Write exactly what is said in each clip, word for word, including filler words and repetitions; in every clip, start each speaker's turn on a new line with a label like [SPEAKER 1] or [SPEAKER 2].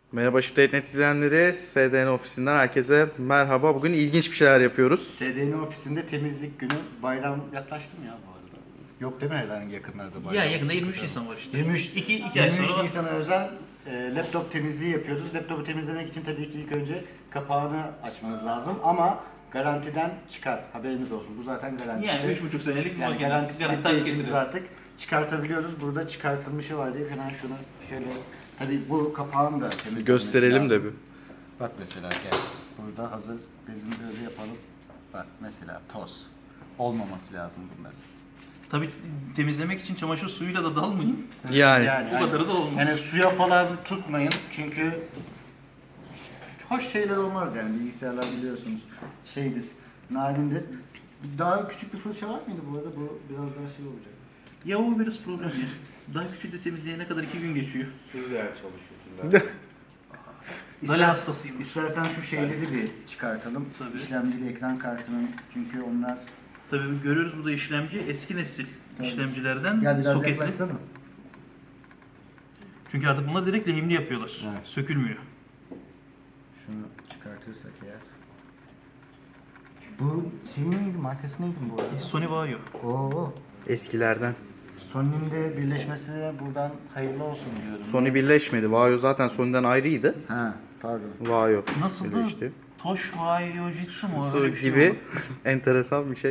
[SPEAKER 1] Merhaba Shift Net izleyenleri, S D N ofisinden herkese merhaba. Bugün ilginç bir şeyler yapıyoruz.
[SPEAKER 2] S D N ofisinde temizlik günü. Bayram yaklaştı mı ya bu arada? Yok değil mi herhangi yakınlarda bayram?
[SPEAKER 3] Ya yakında yirmi üç Nisan var işte.
[SPEAKER 2] yirmi üç,
[SPEAKER 3] iki, iki ay
[SPEAKER 2] yirmi üç
[SPEAKER 3] sonra.
[SPEAKER 2] Nisan'a özel e, laptop temizliği yapıyoruz. Laptopu temizlemek için tabii ki ilk önce kapağını açmanız lazım ama garantiden çıkar. Haberiniz olsun. Bu zaten garanti.
[SPEAKER 3] Yani üç buçuk senelik
[SPEAKER 2] yani
[SPEAKER 3] makine.
[SPEAKER 2] garantisi
[SPEAKER 3] Garanti
[SPEAKER 2] bittiği
[SPEAKER 3] takip
[SPEAKER 2] için biz
[SPEAKER 3] ettiriyor.
[SPEAKER 2] artık çıkartabiliyoruz. Burada çıkartılmışı var diye hemen şunu şöyle, tabii bu kapağın da temizlenmesi
[SPEAKER 1] Gösterelim de
[SPEAKER 2] lazım.
[SPEAKER 1] bir.
[SPEAKER 2] Bak mesela gel. Burada hazır bezini böyle yapalım. Bak mesela toz. Olmaması lazım bunların.
[SPEAKER 3] Tabii temizlemek için çamaşır suyuyla da dalmayın.
[SPEAKER 1] Yani,
[SPEAKER 3] Bu kadarı da olmaz.
[SPEAKER 2] Yani suya falan tutmayın çünkü hoş şeyler olmaz yani, bilgisayarlar biliyorsunuz şeydir, narindir. Daha küçük bir fırça var mıydı bu arada? Bu biraz daha şey olacak.
[SPEAKER 3] Ya o biraz problem ya. Daha küçük de temizleyene kadar iki gün geçiyor.
[SPEAKER 4] Sürreal çalışıyorsun.
[SPEAKER 3] Dali hastasıyım.
[SPEAKER 2] İstersen şu şeyleri bir çıkartalım.
[SPEAKER 3] Tabii.
[SPEAKER 2] İşlemcili ekran kartının, çünkü onlar...
[SPEAKER 3] Tabii görüyoruz burada işlemci eski nesil
[SPEAKER 2] Tabii.
[SPEAKER 3] işlemcilerden
[SPEAKER 2] Gel biraz
[SPEAKER 3] soketli.
[SPEAKER 2] yaklaşsana.
[SPEAKER 3] Çünkü artık bunlar direkt lehimli yapıyorlar.
[SPEAKER 2] Evet.
[SPEAKER 3] Sökülmüyor.
[SPEAKER 2] Şunu çıkartırsak eğer. Bu şey neydi? Markası neydi bu arada?
[SPEAKER 3] E, Sony Vaio.
[SPEAKER 2] Oo.
[SPEAKER 1] eskilerden.
[SPEAKER 2] Sony'nin de birleşmesi buradan hayırlı olsun diyorum.
[SPEAKER 1] Sony birleşmedi. Vaio zaten Sony'den ayrıydı.
[SPEAKER 2] Ha, pardon.
[SPEAKER 1] Vaio
[SPEAKER 3] Nasıl da
[SPEAKER 1] birleşti.
[SPEAKER 3] Tosh Vaio Jitsu mu?
[SPEAKER 1] Su
[SPEAKER 3] Öyle bir şey
[SPEAKER 1] gibi
[SPEAKER 3] oldu.
[SPEAKER 1] enteresan bir şey.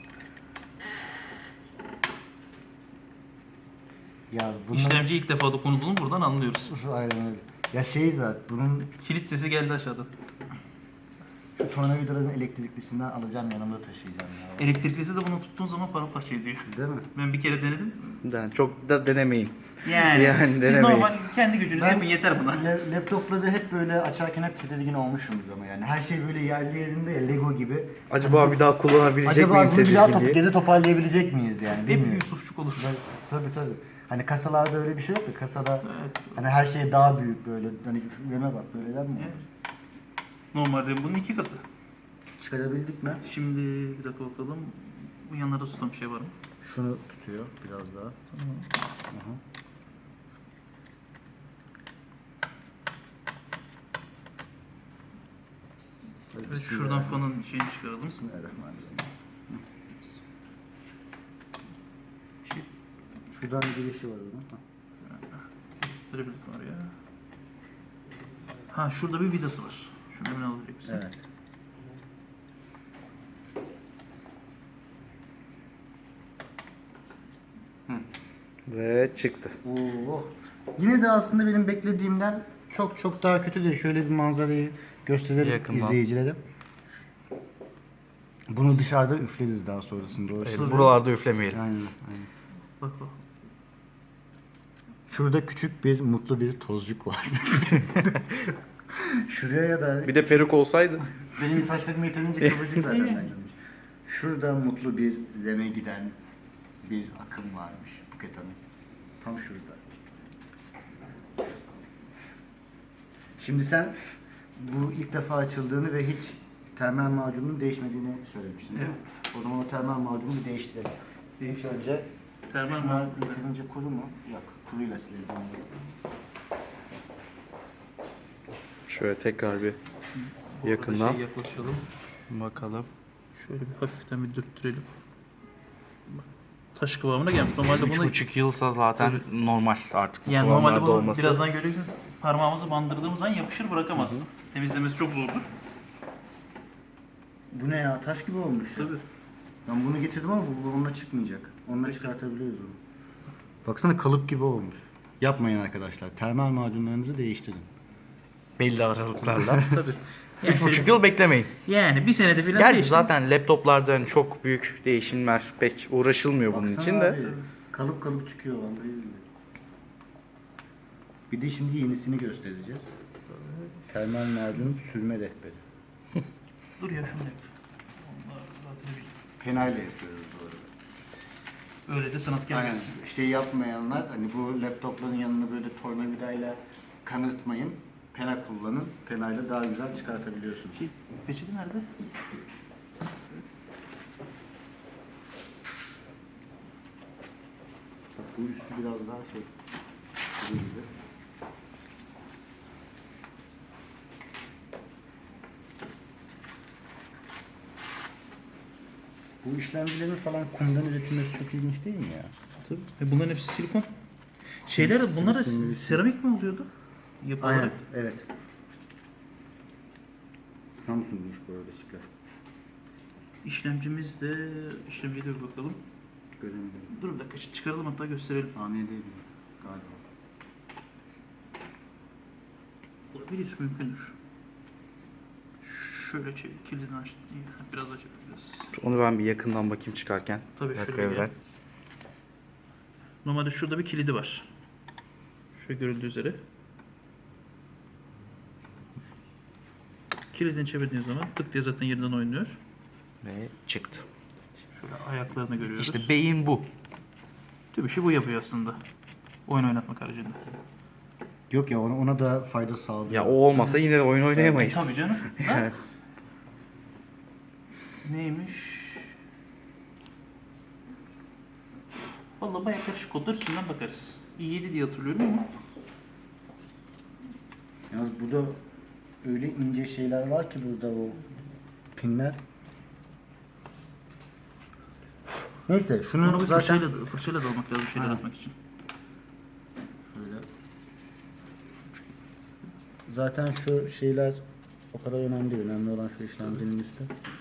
[SPEAKER 2] Ya bunun...
[SPEAKER 3] İşlemci ilk defa dokunulduğunu buradan anlıyoruz.
[SPEAKER 2] Aynen öyle. Ya şey zaten, bunun
[SPEAKER 3] Kilit sesi geldi aşağıdan.
[SPEAKER 2] şu tornavidaların elektriklisinden alacağım, yanımda taşıyacağım ya.
[SPEAKER 3] Elektriklisi de bunu tuttuğun zaman paramparça ediyor.
[SPEAKER 2] Değil mi?
[SPEAKER 3] Ben bir kere denedim.
[SPEAKER 1] Yani çok da denemeyin.
[SPEAKER 3] Yani,
[SPEAKER 1] Yani
[SPEAKER 3] siz
[SPEAKER 1] denemeyin.
[SPEAKER 3] normal kendi gücünüzle yapın yeter buna.
[SPEAKER 2] La- laptopları hep böyle açarken hep tedirgin olmuşumdur ama yani her şey böyle yerli yerinde ya, Lego gibi.
[SPEAKER 1] Acaba bir daha kullanabilecek
[SPEAKER 2] Acaba
[SPEAKER 1] miyim
[SPEAKER 2] bunu bir daha top,
[SPEAKER 1] tedirginliği?
[SPEAKER 2] geri toparlayabilecek miyiz yani,
[SPEAKER 3] Hep
[SPEAKER 2] bilmiyorum.
[SPEAKER 3] Yusufçuk olur.
[SPEAKER 2] Tabii tabii. Hani kasalarda öyle bir şey yok ya, kasada hani her şey daha büyük böyle, hani şu yöne bak, böyleden mi?
[SPEAKER 3] Evet. Normalde bunun iki katı.
[SPEAKER 2] Çıkarabildik mi?
[SPEAKER 3] Şimdi bir dakika bakalım. Bu yanlarda tutan bir şey var mı?
[SPEAKER 2] Şunu tutuyor biraz daha. Aha. Hadi
[SPEAKER 3] Evet, şuradan
[SPEAKER 2] bismillahirrahmanirrahim.
[SPEAKER 3] fanın şeyini çıkaralım.
[SPEAKER 2] Bismillahirrahmanirrahim.
[SPEAKER 3] Şey,
[SPEAKER 2] Şuradan girişi var onun. Ha.
[SPEAKER 3] gösterebildik var ya. Ha şurada bir vidası var. Şunu hemen alabilecek misin?
[SPEAKER 2] Evet.
[SPEAKER 1] Ve çıktı.
[SPEAKER 2] Oo. Yine de aslında benim beklediğimden çok çok daha kötü değil. Şöyle bir manzarayı gösterelim
[SPEAKER 1] Yakından.
[SPEAKER 2] izleyicilere. Bunu dışarıda üfleriz daha sonrasında. Doğru.
[SPEAKER 1] Evet, buralarda üflemeyelim.
[SPEAKER 2] Aynen, aynen.
[SPEAKER 3] Bak bak.
[SPEAKER 2] Şurada küçük bir mutlu bir tozcuk var. Şuraya da
[SPEAKER 1] Bir de peruk olsaydı.
[SPEAKER 2] benim saçlarım yeterince kıvırcık zaten bence. Şurada mutlu bir leme giden bir akım varmış Buket Hanım. Tam şurada. Şimdi sen bu ilk defa açıldığını ve hiç termal macunun değişmediğini söylemiştin değil mi? O zaman o termal macunu bir değiştirelim. İlk önce
[SPEAKER 3] Termal
[SPEAKER 2] şunlar
[SPEAKER 3] macun.
[SPEAKER 2] yeterince kuru mu? Yok, kuruyla silelim onları.
[SPEAKER 1] Şöyle tekrar bir
[SPEAKER 3] Bu arada
[SPEAKER 1] yakından
[SPEAKER 3] şey yaklaşalım.
[SPEAKER 1] bakalım.
[SPEAKER 3] Şöyle bir hafiften bir dürttürelim. Bak, taş kıvamına gelmiş. Normalde
[SPEAKER 1] Üç
[SPEAKER 3] bunu
[SPEAKER 1] buçuk yılsa zaten normal artık. bu
[SPEAKER 3] yani normalde
[SPEAKER 1] kıvamlarda
[SPEAKER 3] bunu
[SPEAKER 1] olması.
[SPEAKER 3] birazdan göreceksin. Parmağımızı bandırdığımız an yapışır bırakamaz. Temizlemesi çok zordur.
[SPEAKER 2] Bu ne ya? Taş gibi olmuş ya.
[SPEAKER 3] Tabii.
[SPEAKER 2] Ben bunu getirdim ama bu onunla çıkmayacak. Onunla çıkartabiliyoruz onu. Baksana, kalıp gibi olmuş. Yapmayın arkadaşlar. Termal macunlarınızı değiştirin.
[SPEAKER 1] Belli aralıklarla.
[SPEAKER 3] Tabii.
[SPEAKER 1] Üç buçuk yıl beklemeyin.
[SPEAKER 3] Yani bir senede falan
[SPEAKER 1] Gerçi
[SPEAKER 3] değişti.
[SPEAKER 1] zaten laptoplardan çok büyük değişimler pek uğraşılmıyor bunun
[SPEAKER 2] Baksana
[SPEAKER 1] için de.
[SPEAKER 2] abi, kalıp kalıp çıkıyor vallahi billahi. Bir de şimdi yenisini göstereceğiz. Termal macun sürme rehberi.
[SPEAKER 3] Dur ya şunu yap. Onlar zaten
[SPEAKER 2] Penayla yapıyoruz bu arada.
[SPEAKER 3] bir- Öyle de sanatkar
[SPEAKER 2] Aynen.
[SPEAKER 3] gelsin.
[SPEAKER 2] Şey yapmayanlar, hani bu laptopların yanına böyle tornavidayla kanırtmayın. Pena kullanın. Penayla daha güzel çıkartabiliyorsunuz.
[SPEAKER 3] Şey, peçete nerede?
[SPEAKER 2] Bak, bu üstü biraz daha şey. Gibi. Bu işlemcilerin falan kumdan üretilmesi çok ilginç değil mi ya?
[SPEAKER 3] Tabii. E bunların hepsi silikon. Şeyler bunlar da
[SPEAKER 2] silikon-
[SPEAKER 3] seramik mi oluyordu? Yapı
[SPEAKER 2] Aynen,
[SPEAKER 3] olarak.
[SPEAKER 2] evet. Samsung'muş bu arada çipler.
[SPEAKER 3] İşlemcimiz de işlemciye de bir bakalım.
[SPEAKER 2] Göremedim.
[SPEAKER 3] Dur bir dakika çıkaralım hatta gösterelim.
[SPEAKER 2] A M D değil galiba.
[SPEAKER 3] Olabilir, mümkündür. Şöyle çevir, kilidini aç. Biraz daha çevireceğiz.
[SPEAKER 1] Onu ben bir yakından bakayım çıkarken.
[SPEAKER 3] Tabii
[SPEAKER 1] Bir dakika
[SPEAKER 3] şöyle
[SPEAKER 1] Evren.
[SPEAKER 3] gel. Normalde şurada bir kilidi var. Şöyle görüldüğü üzere. Kilidini çevirdiğiniz zaman tık diye zaten yerinden oynuyor.
[SPEAKER 1] Ve çıktı.
[SPEAKER 3] Şöyle ayaklarını görüyoruz.
[SPEAKER 1] İşte beyin bu.
[SPEAKER 3] Tüm işi bu yapıyor aslında. Oyun oynatmak haricinde.
[SPEAKER 2] Yok ya ona, ona da fayda sağlıyor.
[SPEAKER 1] Ya o olmasa yine de oyun oynayamayız.
[SPEAKER 3] Tabii canım. Ha? Neymiş? Vallahi bayağı karışık kodlar üstünden bakarız. i yedi diye hatırlıyorum ama
[SPEAKER 2] Yalnız burada öyle ince şeyler var ki burada o pinler. Neyse şunu
[SPEAKER 3] onu bir
[SPEAKER 2] zaten
[SPEAKER 3] fırçayla, da- fırçayla da almak lazım şeyler
[SPEAKER 2] Ha.
[SPEAKER 3] atmak için.
[SPEAKER 2] şöyle. Zaten şu şeyler o kadar önemli değil. Önemli olan şu işlemcinin üstü.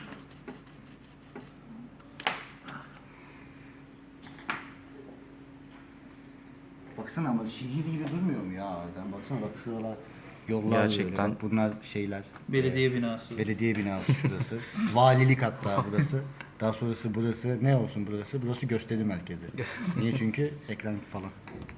[SPEAKER 2] Baksana ama şehir gibi durmuyor mu ya harbiden? Baksana bak şuralar yollar
[SPEAKER 1] Gerçekten.
[SPEAKER 2] böyle. Bak bunlar şeyler.
[SPEAKER 3] Belediye binası.
[SPEAKER 2] Belediye binası şurası. Valilik hatta burası. Daha sonrası burası. Ne olsun burası? Burası gösteri merkezi. Niye? Çünkü ekran falan.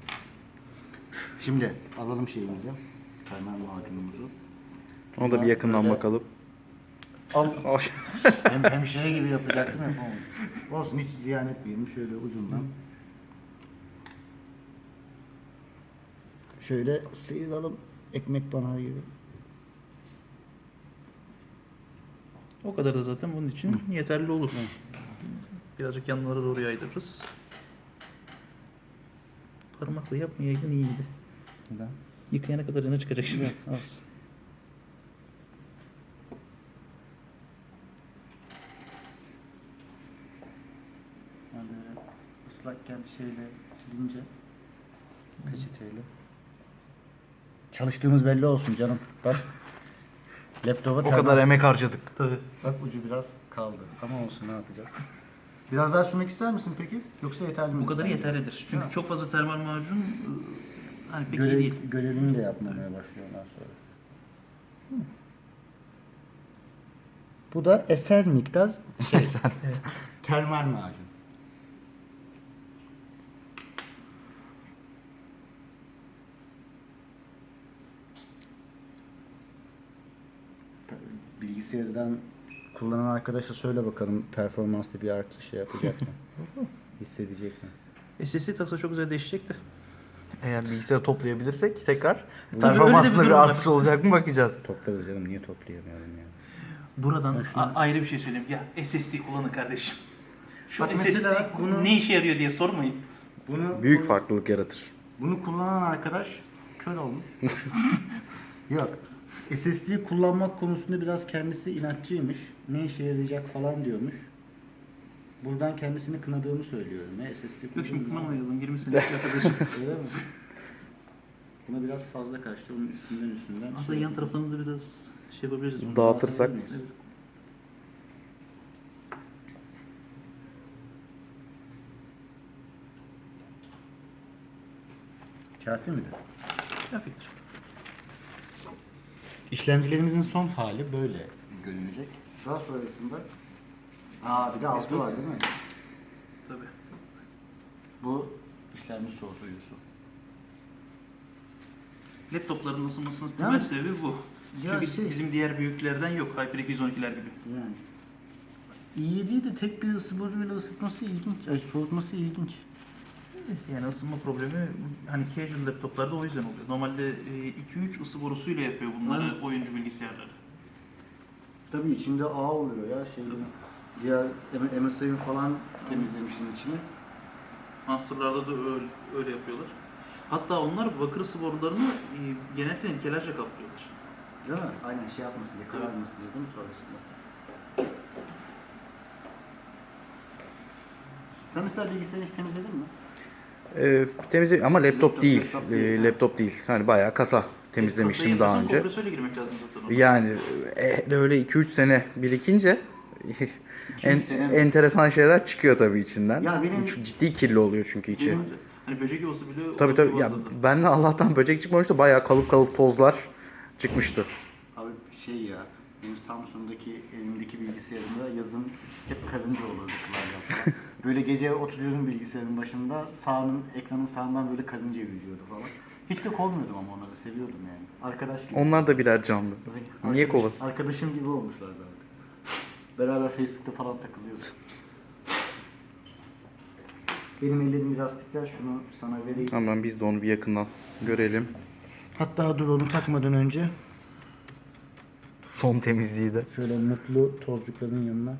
[SPEAKER 2] Şimdi alalım şeyimizi. Termal macunumuzu.
[SPEAKER 1] Ona da bir yakından
[SPEAKER 2] Böyle-
[SPEAKER 1] bakalım.
[SPEAKER 2] Al.
[SPEAKER 1] Ay.
[SPEAKER 2] hem, hem şey gibi yapacaktım yapamadım. Olsun hiç ziyan etmeyelim. Şöyle ucundan. Şöyle sıyıralım. Ekmek bana gibi.
[SPEAKER 3] O kadar da zaten bunun için yeterli olur. Birazcık yanlara doğru yaydırırız. Parmakla yapmayaydın iyiydi.
[SPEAKER 2] Neden?
[SPEAKER 3] Yıkayana kadar yana çıkacak şimdi.
[SPEAKER 2] Olsun. Yani ıslakken şeyle silince peçeteyle. Çalıştığımız belli olsun canım. Bak. Laptopa
[SPEAKER 1] O
[SPEAKER 2] termal-
[SPEAKER 1] kadar emek harcadık.
[SPEAKER 3] Tabii.
[SPEAKER 2] Bak ucu biraz kaldı. Ama olsun ne yapacağız? Biraz daha sürmek ister misin peki? Yoksa yeterli mi?
[SPEAKER 3] Bu kadar
[SPEAKER 2] Sen-
[SPEAKER 3] yeterlidir. Çünkü
[SPEAKER 2] Ha.
[SPEAKER 3] çok fazla termal macun ıı, hani pek iyi
[SPEAKER 2] Görev,
[SPEAKER 3] değil.
[SPEAKER 2] görevini de yapmamaya başlıyorlar sonra. Bu da eser miktar şey, termal macun. Bilgisayardan kullanan arkadaşa söyle bakalım performansta bir artış şey yapacak mı? Hissedecek mi?
[SPEAKER 3] S S D taksa çok güzel değişecek de.
[SPEAKER 1] Eğer bilgisayarı toplayabilirsek tekrar
[SPEAKER 3] öyle
[SPEAKER 1] performansında
[SPEAKER 3] bir
[SPEAKER 1] bir
[SPEAKER 3] durum var.
[SPEAKER 1] artış olacak mı bakacağız.
[SPEAKER 2] Toplarız canım niye toplayamıyorum ya?
[SPEAKER 3] Buradan
[SPEAKER 2] Ben şunu-
[SPEAKER 3] a- ayrı bir şey söyleyeyim. Ya S S D kullanın kardeşim. Şu
[SPEAKER 2] Bak
[SPEAKER 3] S S D
[SPEAKER 2] mesela bunu-
[SPEAKER 3] ne işe yarıyor diye sormayın.
[SPEAKER 2] Bunu
[SPEAKER 1] Büyük farklılık yaratır.
[SPEAKER 2] Bunu kullanan arkadaş kör olmuş. Yok. S S D kullanmak konusunda biraz kendisi inatçıymış. Ne işe yarayacak falan diyormuş. Buradan kendisini kınadığımı söylüyorum. Ne S S D
[SPEAKER 3] Yok şimdi
[SPEAKER 2] kullanıyor.
[SPEAKER 3] kınamayalım. yirmi senelik arkadaşım.
[SPEAKER 2] Öyle mi? Buna biraz fazla kaçtı. Onun üstünden üstünden.
[SPEAKER 3] Aslında yan taraflarını da biraz şey yapabiliriz. bunu.
[SPEAKER 1] Dağıtırsak.
[SPEAKER 3] Evet.
[SPEAKER 2] Kafi midir?
[SPEAKER 3] Kafidir.
[SPEAKER 2] İşlemcilerimizin son hali böyle görünecek. Daha sonrasında Aa bir de altı var değil mi?
[SPEAKER 3] Tabii.
[SPEAKER 2] Bu işlemci soğutucusu.
[SPEAKER 3] Laptopların ısınmasının temel
[SPEAKER 2] Yani-
[SPEAKER 3] sebebi bu.
[SPEAKER 2] Ya
[SPEAKER 3] Çünkü
[SPEAKER 2] şey-
[SPEAKER 3] bizim diğer büyüklerden yok. HyperX yüz on ikiler gibi.
[SPEAKER 2] Yani. İyi değil de tek bir ısı boruyla ısıtması ilginç. Ay soğutması ilginç.
[SPEAKER 3] Yani ısınma problemi hani casual laptoplarda o yüzden oluyor. Normalde iki üç ısı borusuyla yapıyor bunları
[SPEAKER 2] Hı.
[SPEAKER 3] oyuncu bilgisayarları.
[SPEAKER 2] Tabii içinde ağ oluyor ya şeylerin. Diğer M S I'nin falan temizlemiştin içini.
[SPEAKER 3] Master'larda da öyle, öyle yapıyorlar. Hatta onlar bakır ısı borularını e, genellikle nitelerce kaplıyorlar.
[SPEAKER 2] Değil mi? Aynen şey yapmasın diye, kararmasın diye değil mi sonrasında? Sen mesela bilgisayarı hiç temizledin mi?
[SPEAKER 1] Ee, temizle ama laptop,
[SPEAKER 2] Laptop,
[SPEAKER 1] değil.
[SPEAKER 2] laptop
[SPEAKER 1] Ee,
[SPEAKER 2] değil, ha.
[SPEAKER 1] laptop değil. Hani bayağı kasa temizlemiştim daha önce.
[SPEAKER 3] Kompresörle girmek lazım zaten. ona.
[SPEAKER 1] Yani e, öyle iki üç sene birikince en,
[SPEAKER 2] sene mi?
[SPEAKER 1] enteresan şeyler çıkıyor tabii içinden.
[SPEAKER 2] Ya benim-
[SPEAKER 1] Çok ciddi kirli oluyor çünkü içi.
[SPEAKER 2] Benim-
[SPEAKER 3] Hani böcek yuvası bile
[SPEAKER 1] Tabii tabii. Ya
[SPEAKER 3] bazılarında.
[SPEAKER 1] ben de Allah'tan böcek çıkmamıştı. Bayağı kalıp kalıp tozlar çıkmıştı.
[SPEAKER 2] Abi şey ya, benim Samsun'daki evimdeki bilgisayarımda yazın hep karınca olurdu klavye falan. Böyle gece oturuyorum bilgisayarın başında, sağının, ekranın sağından böyle karınca yürüyordu falan. Hiç de kovmuyordum ama onları seviyordum yani. Arkadaş gibi.
[SPEAKER 1] Onlar da birer canlı. Niye
[SPEAKER 2] Arkadaş-
[SPEAKER 1] kovasın?
[SPEAKER 2] Arkadaşım gibi olmuşlardı artık. Beraber Facebook'ta falan takılıyorduk. Benim ellerim biraz titrer, şunu sana vereyim.
[SPEAKER 1] Hemen biz de onu bir yakından görelim.
[SPEAKER 2] Hatta dur onu takmadan önce
[SPEAKER 1] Son temizliği de.
[SPEAKER 2] şöyle mutlu tozcukların yanına.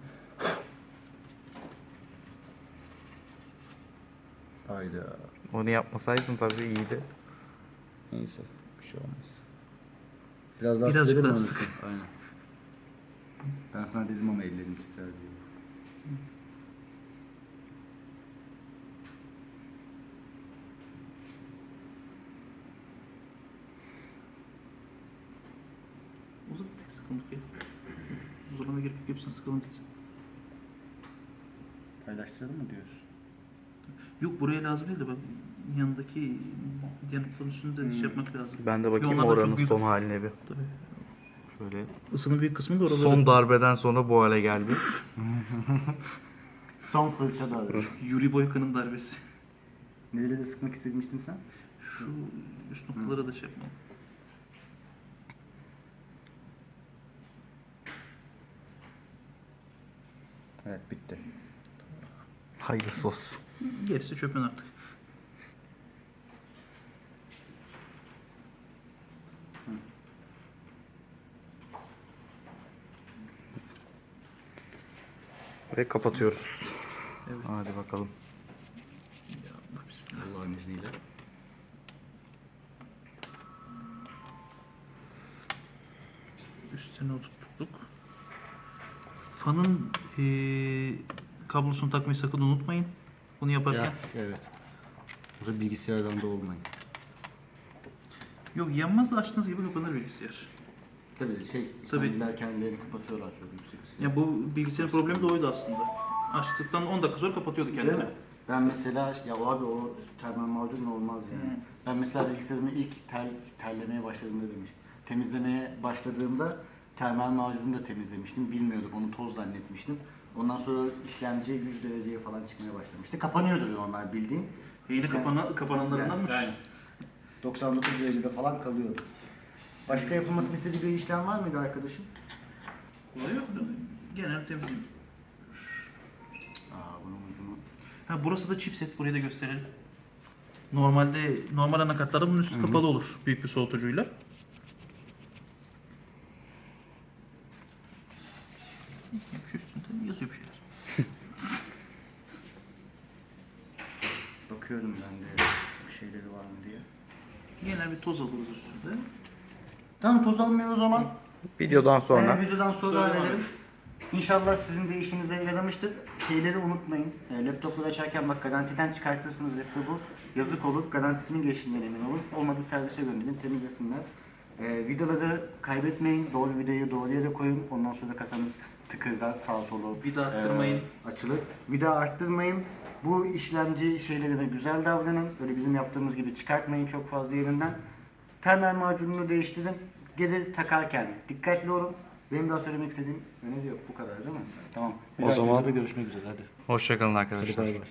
[SPEAKER 2] Hayda.
[SPEAKER 1] Onu yapmasaydın tabii iyiydi.
[SPEAKER 2] Neyse bir şey olmaz. Biraz daha
[SPEAKER 3] Birazcık
[SPEAKER 2] sıkalım
[SPEAKER 3] daha
[SPEAKER 2] mı?
[SPEAKER 3] sık.
[SPEAKER 2] Aynen. Ben sana dedim ama ellerim titrer diye.
[SPEAKER 3] O da tek sıkıntı ki. Uzunluğuna gerek yok. Hepsini sıkalım gitsin.
[SPEAKER 2] Paylaştıralım mı diyorsun?
[SPEAKER 3] Yok buraya lazım değil de bak yanındaki diğer noktanın üstünde
[SPEAKER 2] Hmm.
[SPEAKER 3] şey yapmak lazım.
[SPEAKER 1] Ben de bakayım
[SPEAKER 3] Çünkü onlar da
[SPEAKER 1] oranın
[SPEAKER 3] çok büyük.
[SPEAKER 1] son haline bir.
[SPEAKER 3] Tabii.
[SPEAKER 1] Şöyle.
[SPEAKER 3] Isının büyük kısmı da oraları.
[SPEAKER 1] Son darbeden sonra bu hale geldi.
[SPEAKER 2] Son fırça da
[SPEAKER 3] Yuri Boyka'nın darbesi.
[SPEAKER 2] Nerede de sıkmak istemiştin sen?
[SPEAKER 3] Şu üst noktalara da şey yapmayalım.
[SPEAKER 2] Evet bitti.
[SPEAKER 1] Hayırlısı olsun.
[SPEAKER 3] Gerisi çöpün artık.
[SPEAKER 1] Ve kapatıyoruz.
[SPEAKER 3] Evet.
[SPEAKER 1] Hadi bakalım.
[SPEAKER 3] Ya Allah bismillah.
[SPEAKER 2] Allah'ın izniyle.
[SPEAKER 3] Üstüne oturttuk. Fanın eee kablosunu takmayı sakın unutmayın. Bunu yaparken.
[SPEAKER 2] Ya, evet. Burada bilgisayardan da olmayın.
[SPEAKER 3] Yok yanmaz da açtığınız gibi kapanır bilgisayar.
[SPEAKER 2] Tabii şey, İslamcılar kendilerini kapatıyorlar çok yüksek ısı.
[SPEAKER 3] Ya bu bilgisayarın problemi de oydu aslında. Açtıktan on dakika sonra kapatıyordu
[SPEAKER 2] Değil
[SPEAKER 3] kendini.
[SPEAKER 2] mi? Ben mesela ya abi o termal macunla olmaz yani.
[SPEAKER 3] Hı.
[SPEAKER 2] Ben mesela bilgisayarımı ilk tel, terlemeye başladığımda demiş. Temizlemeye başladığımda termal macunu da temizlemiştim. Bilmiyordum onu toz zannetmiştim. Ondan sonra işlemci yüz dereceye falan çıkmaya başlamıştı. Kapanıyordu normal bildiğin.
[SPEAKER 3] Yeni
[SPEAKER 2] İşlem-
[SPEAKER 3] kapana, kapananlarındanmış.
[SPEAKER 2] Yani doksan dokuz derecede falan kalıyordu. Başka yapılmasını istediği bir işlem var mıydı arkadaşım?
[SPEAKER 3] Olay yok. Genel temizliğim.
[SPEAKER 2] Aa bunun ucunu.
[SPEAKER 3] Ha burası da chipset. Burayı da gösterelim. Normalde normal anakartlarda bunun üstü kapalı olur. Büyük bir soğutucuyla. Şu üstünde yazıyor bir şeyler.
[SPEAKER 2] Bakıyorum ben de bir şeyleri var mı diye.
[SPEAKER 3] Genel bir toz alırız üstünde.
[SPEAKER 2] Tamam toz almıyor o zaman.
[SPEAKER 1] Videodan sonra.
[SPEAKER 2] Evet, videodan sonra
[SPEAKER 3] Sonra
[SPEAKER 2] halledelim. İnşallah sizin de işinize yaramıştır. Şeyleri unutmayın. E, laptopları açarken bak garantiden çıkartırsınız laptopu. Yazık olur. Garantisinin geçtiğinden emin olun. Olmadı servise gönderin. Temizlesinler. E, vidaları kaybetmeyin. Doğru vidayı doğru yere koyun. Ondan sonra kasanız tıkırdar sağa solu
[SPEAKER 3] Vida arttırmayın.
[SPEAKER 2] e, açılır. Vida arttırmayın. Bu işlemci şeylerine güzel davranın. Öyle bizim yaptığımız gibi çıkartmayın çok fazla yerinden. Termal macununu değiştirin. Geri takarken dikkatli olun. Benim daha söylemek istediğim öneri yok. Bu kadar değil mi? Tamam. Bir
[SPEAKER 1] O
[SPEAKER 2] dahaki
[SPEAKER 1] zaman-
[SPEAKER 2] videoda görüşmek üzere. Hadi.
[SPEAKER 1] Hoşçakalın
[SPEAKER 2] Hadi
[SPEAKER 1] arkadaşlar.
[SPEAKER 2] bay bay.